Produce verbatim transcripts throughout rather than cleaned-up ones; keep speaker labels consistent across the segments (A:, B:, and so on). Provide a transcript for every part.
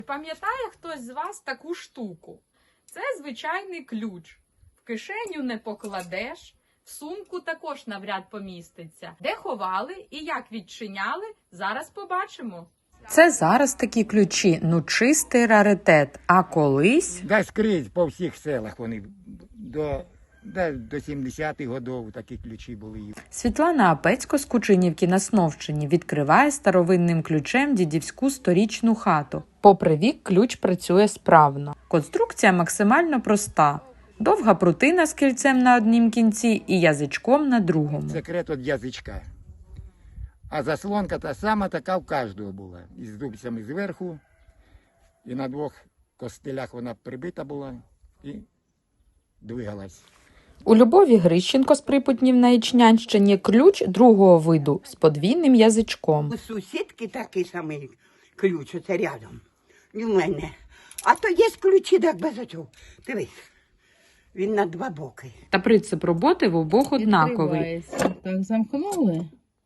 A: Пам'ятає хтось з вас таку штуку? Це звичайний ключ. В кишеню не покладеш, в сумку також навряд поміститься. Де ховали і як відчиняли, зараз побачимо.
B: Це зараз такі ключі, ну чистий раритет. А колись...
C: Да скрізь по всіх селах вони до, да, до сімдесятих років такі ключі були.
B: Світлана Апецько з Кучинівки на Сновщині відкриває старовинним ключем дідівську сторічну хату. Попри вік, ключ працює справно. Конструкція максимально проста. Довга прутина з кільцем на однім кінці і язичком на другому.
C: Секрет від язичка. А заслонка та сама така в кожного була. Із дубцями зверху, і на двох костилях вона прибита була і двигалась.
B: У Любові Грищенко з Припутнів на Ічнянщині ключ другого виду з подвійним язичком.
D: У сусідки такий самий ключ, оце рядом. І в мене. А то є ключі, так без оцього. Дивись, він на два боки.
B: Та принцип роботи в обох однаковий.
E: Відкривається. Так, замкнули,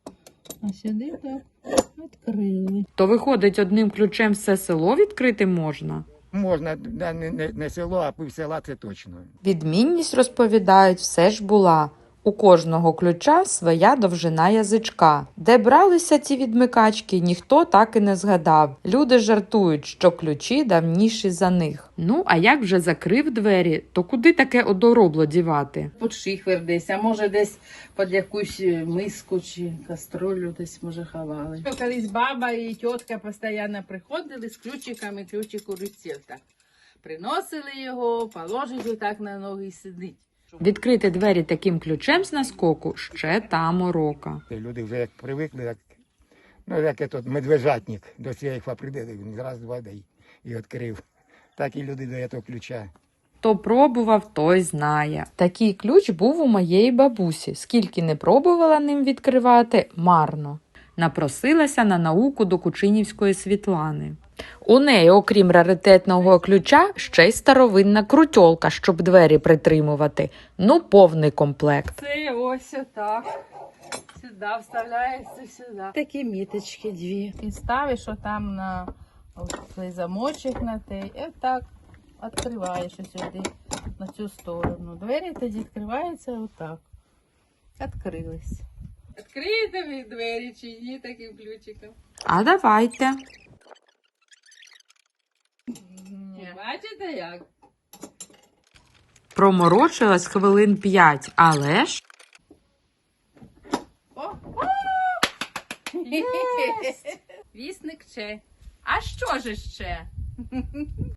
E: а сюди так відкрили.
B: То виходить, одним ключем все село відкрити можна?
C: Можна, да, не, не, не село, а пів села це точно.
B: Відмінність, розповідають, все ж була. У кожного ключа своя довжина язичка. Де бралися ці відмикачки, ніхто так і не згадав. Люди жартують, що ключі давніші за них. Ну, а як вже закрив двері, то куди таке одоробло дівати?
E: Під шихвер десь, а може десь під якусь миску чи каструлю десь, може, ховали. Колись баба і тітка постійно приходили з ключиками, ключик у руці так. Приносили його, положили так на ноги і сидить.
B: Відкрити двері таким ключем з наскоку – ще та морока.
C: Люди вже як привикли, як, ну, як этот медвежатник до цієї прийде, він раз, два, да, і, і відкрив. Так і люди до цього ключа.
B: Хто пробував, той знає. Такий ключ був у моєї бабусі. Скільки не пробувала ним відкривати – марно. Напросилася на науку до Кучинівської Світлани. У неї, окрім раритетного ключа, ще й старовинна крутьолка, щоб двері притримувати. Ну, повний комплект.
E: Це ось отак. Сюди вставляється, сюди. Такі міточки дві. І ставиш отам на цей замочок на той. І отак відкриваєш сюди, на цю сторону. Двері тоді відкриваються отак. Відкрились. Відкриєте ви двері чи ні таким ключиком?
B: А давайте.
E: Ні. Бачите як?
B: Проморочилась хвилин п'ять, але ж...
E: О! Вісник ще.
A: А що ж ще?